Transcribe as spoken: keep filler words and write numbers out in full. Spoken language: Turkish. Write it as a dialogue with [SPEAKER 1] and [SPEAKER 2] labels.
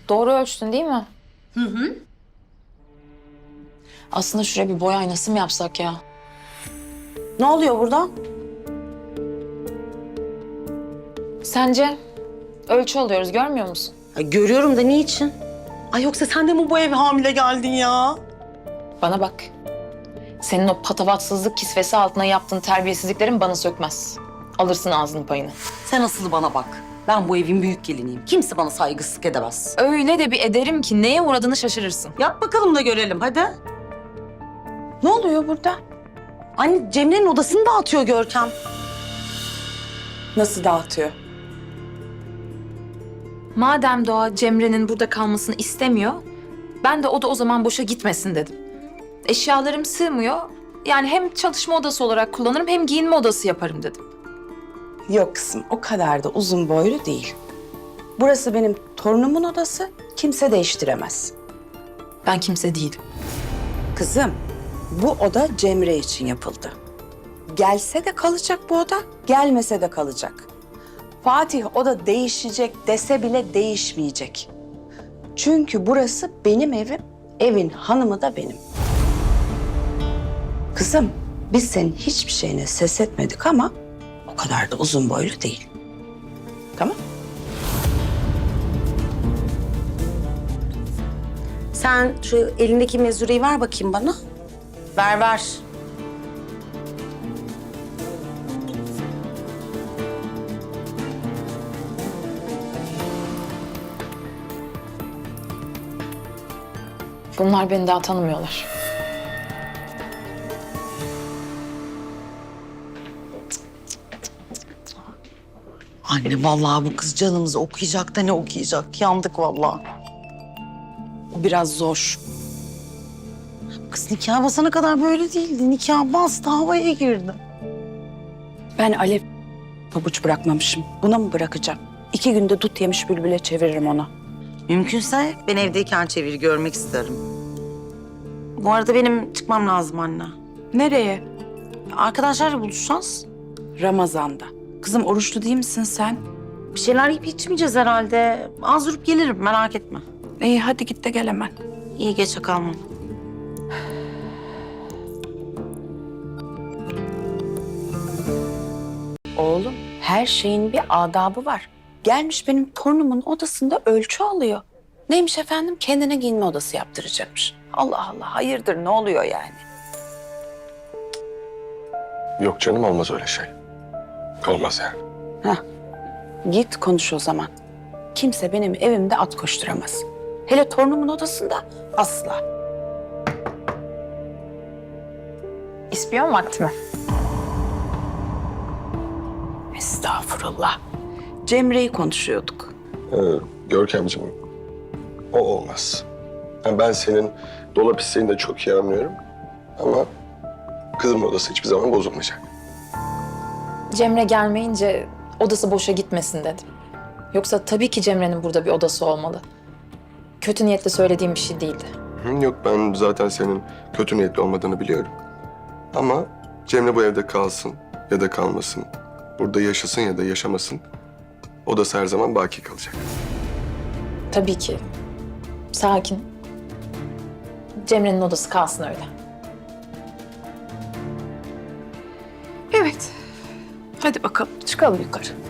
[SPEAKER 1] Doğru ölçtün değil mi?
[SPEAKER 2] Hı hı.
[SPEAKER 1] Aslında şuraya bir boy aynası mı yapsak ya?
[SPEAKER 2] Ne oluyor burada?
[SPEAKER 1] Sence? Ölçü alıyoruz, görmüyor musun?
[SPEAKER 2] Ay, görüyorum da niçin? Ay yoksa sen de mi bu eve hamile geldin ya?
[SPEAKER 1] Bana bak. Senin o patavatsızlık kisvesi altına yaptığın terbiyesizliklerin bana sökmez. Alırsın ağzının payını.
[SPEAKER 2] Sen asıl bana bak. Ben bu evin büyük geliniyim. Kimse bana saygısızlık edemez.
[SPEAKER 1] Öyle de bir ederim ki neye uğradığını şaşırırsın.
[SPEAKER 2] Yap bakalım da görelim hadi.
[SPEAKER 1] Ne oluyor burada?
[SPEAKER 2] Anne Cemre'nin odasını dağıtıyor Görkem.
[SPEAKER 3] Nasıl dağıtıyor?
[SPEAKER 1] Madem Doğa Cemre'nin burada kalmasını istemiyor, ben de o da o zaman boşa gitmesin dedim. Eşyalarım sığmıyor. Yani hem çalışma odası olarak kullanırım hem giyinme odası yaparım dedim.
[SPEAKER 3] Yok kızım, o kadar da uzun boylu değil. Burası benim torunumun odası, kimse değiştiremez.
[SPEAKER 1] Ben kimse değilim.
[SPEAKER 3] Kızım, bu oda Cemre için yapıldı. Gelse de kalacak bu oda, gelmese de kalacak. Fatih oda değişecek dese bile değişmeyecek. Çünkü burası benim evim, evin hanımı da benim. Kızım, biz senin hiçbir şeyine ses etmedik ama o kadar da uzun boylu değil. Tamam?
[SPEAKER 2] Sen şu elindeki mezureyi ver bakayım bana. Ver ver.
[SPEAKER 1] Bunlar beni daha tanımıyorlar.
[SPEAKER 2] Anne vallahi bu kız canımızı okuyacak da ne okuyacak? Yandık vallahi.
[SPEAKER 3] O biraz zor.
[SPEAKER 2] Kız nikah basana kadar böyle değildi. Nikah bastı, havaya girdi.
[SPEAKER 3] Ben Alev pabuç bırakmamışım. Buna mı bırakacağım? İki günde dut yemiş bülbüle çeviririm onu.
[SPEAKER 2] Mümkünse ben evdeyken çevir görmek isterim. Bu arada benim çıkmam lazım anne.
[SPEAKER 3] Nereye?
[SPEAKER 2] Arkadaşlarla buluşacağız.
[SPEAKER 3] Ramazan'da. Kızım oruçlu değil misin sen?
[SPEAKER 2] Bir şeyler yiyip içmeyeceğiz herhalde. Az durup gelirim merak etme.
[SPEAKER 3] İyi hadi git de gel hemen.
[SPEAKER 2] İyi geçe kalmam.
[SPEAKER 3] Oğlum her şeyin bir adabı var. Gelmiş benim torunumun odasında ölçü alıyor. Neymiş efendim? Kendine giyinme odası yaptıracakmış. Allah Allah hayırdır ne oluyor yani?
[SPEAKER 4] Yok canım, olmaz öyle şey. Olmaz yani.
[SPEAKER 3] Heh. Git konuş o zaman. Kimse benim evimde at koşturamaz. Hele torunumun odasında asla.
[SPEAKER 1] İspiyon vakti mi?
[SPEAKER 3] Estağfurullah. Cemre'yi konuşuyorduk.
[SPEAKER 4] Ee, Görkemciğim, o olmaz. Yani ben senin dolap isteğini de çok iyi anlıyorum. Ama kızımın odası hiçbir zaman bozulmayacak.
[SPEAKER 1] Cemre gelmeyince odası boşa gitmesin dedim. Yoksa tabii ki Cemre'nin burada bir odası olmalı. Kötü niyetle söylediğim bir şey değildi.
[SPEAKER 4] Hı, yok, ben zaten senin kötü niyetli olmadığını biliyorum. Ama Cemre bu evde kalsın ya da kalmasın. Burada yaşasın ya da yaşamasın. Odası her zaman baki kalacak.
[SPEAKER 1] Tabii ki. Sakin. Cemre'nin odası kalsın öyle.
[SPEAKER 3] Evet. Hadi bakalım çıkalım yukarı.